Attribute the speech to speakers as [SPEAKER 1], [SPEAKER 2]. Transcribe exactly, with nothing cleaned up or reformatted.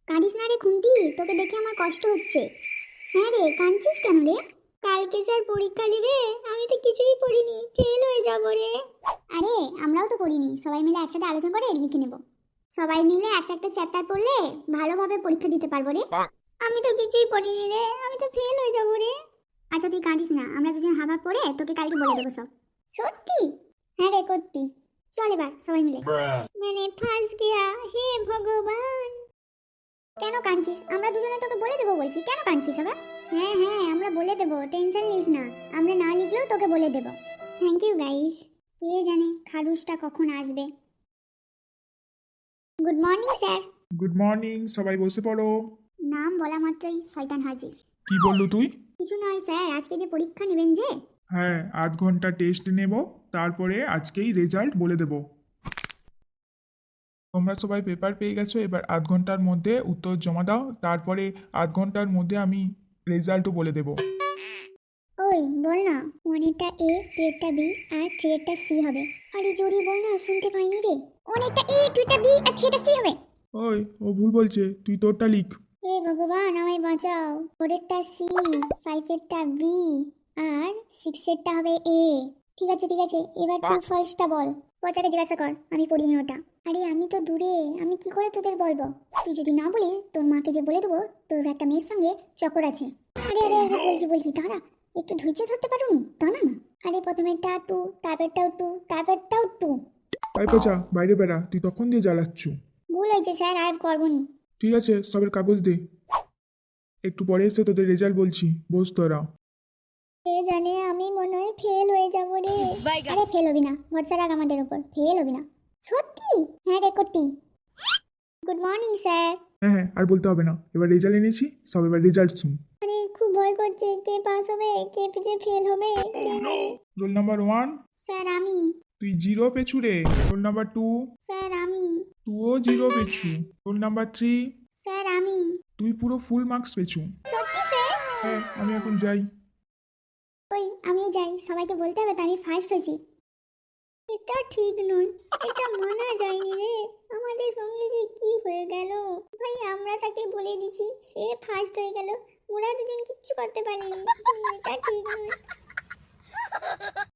[SPEAKER 1] কাঁদিস না রে খুন্তি, তোকে দেখে আমার কষ্ট হচ্ছে। হ্যাঁ রে, কাঁদছিস কেন রে? কালকে স্যার পরীক্ষা নেবে, আমি তো কিছুই পড়িনি, ফেল হয়ে যাব রে। আরে আমরাও তো পড়িনি, সবাই মিলে একসাথে আলোচনা করে লিখে নেব। সবাই মিলে একটা একটা চ্যাপ্টার পড়লে ভালোভাবে পরীক্ষা দিতে পারবো রে। আমি তো কিছুই পড়িনি রে, আমি তো ফেল হয়ে যাব রে। আচ্ছা তুই কাঁদিস না, আমরা দুজন হাবা পড়ে তোকে কালকে বলে দেবো সব। সত্যি? হ্যাঁ রে করতি। চল এবার সবাই মিলে। মানে ফাঁস গিয়া, হে ভগবান। কেন কাঁদছিস? আমরা দুজনে তোকে বলে দেবো বলছি, কেন কাঁদছিস আবার? হ্যাঁ হ্যাঁ আমরা বলে দেবো, টেনশন নিস না। আমরা না লিখলেও তোকে বলে দেবো। Thank you guys. কে জানে খারুসটা কখন আসবে। Good morning sir.
[SPEAKER 2] Good morning, সবাই বসে পড়ো।
[SPEAKER 1] নাম বলা মাত্রই শয়তান হাজির।
[SPEAKER 2] কি বললো তুই?
[SPEAKER 1] কিছু নয় স্যার, আজকে যে পরীক্ষা নেবেন যে।
[SPEAKER 2] হ্যাঁ, আধ ঘন্টা টেস্ট নেব, তারপরে আজকেই রেজাল্ট বলে দেব। তোমরা সবাই পেপার পেয়ে গেছো, এবার আধ ঘন্টার মধ্যে উত্তর জমা দাও, তারপরে আধ ঘন্টার মধ্যে আমি রেজাল্টও বলে দেব।
[SPEAKER 1] ওই বল না, ওয়ানেরটা এ, টুয়েরটা বি আর থ্রিয়েরটা সি হবে। আরে জোরে বল না, শুনতে পাইনি রে। ওয়ানেরটা এ, টুয়েরটা বি আর থ্রিয়েরটা সি হবে।
[SPEAKER 2] ওই ও ভুল বলছে, তুই তোরটা লিখ।
[SPEAKER 1] হে ভগবান আমায় বাঁচাও। ফোরেরটা সি, ফাইভেরটা বি আর সিক্সেরটা হবে এ। ঠিক আছে ঠিক আছে, এবার তুই ফার্স্টটা বল। পচাকে জিজ্ঞাসা কর, আমি পড়িনি ওটা। আরে আমি তো দূরে, আমি কি করে তোদের বলবো? তুই যদি না বলিস, তোর মাকে যে বলে দেবো তোর একটা মেয়ের সঙ্গে চক্কর আছে। আরে আরে আরে বলছি বলছি দাঁড়া, একটু ধৈর্য ধরতে পারুন, দাঁড়া না। আরে প্রথমেরটা টু, তারপরটাও টু, তারপরটাও টু।
[SPEAKER 2] আই পচা, বাইরে বেড়া, তুই তখন দিয়ে জ্বালাচ্ছু।
[SPEAKER 1] ভুল হয়েছে স্যার, আর করবো নি।
[SPEAKER 2] ঠিক আছে, সবের কাগজ দে, একটু পরে এসে তোদের রেজাল্ট বলছি, বস তোরা।
[SPEAKER 1] কে জানে, আমি মনে হয় ফেল হয়ে যাবো রে। আরে ফেল হবি না, ভরসা রাখ আমাদের উপর, ফেল হবি না। সত্যি? হ্যাঁ রে করতি। Good morning sir.
[SPEAKER 2] হ্যাঁ হ্যাঁ, আর বলতে হবে না, এবার রেজাল্ট এনেছি, সব এবার রেজাল্ট শুন।
[SPEAKER 1] আরে খুব ভয় করছে, কে পাস হবে কে যে ফেল হবে।
[SPEAKER 2] রোল নাম্বার ওয়ান,
[SPEAKER 1] স্যার আমি।
[SPEAKER 2] তুই জিরো পেছু রে। রোল নাম্বার টু,
[SPEAKER 1] স্যার আমি।
[SPEAKER 2] তুইও জিরো পেছু। রোল নাম্বার থ্রি,
[SPEAKER 1] স্যার আমি।
[SPEAKER 2] তুই পুরো ফুল মার্কস পেছু।
[SPEAKER 1] সত্যি স্যার?
[SPEAKER 2] হ্যাঁ, আমি এখন যাই।
[SPEAKER 1] ওই আমিও যাই, সবাইকে বলতে হবে তো আমি ফার্স্ট হয়েছি। এটা ঠিক নয়, এটা মানা যায়নি রে। আমাদের সঙ্গে যে কি হয়ে গেল ভাই, আমরা তাকে বলে দিছি, সে ফার্স্ট হয়ে গেল, ওরা দুজন কিচ্ছু করতে পারেনি। এটা ঠিক নয়।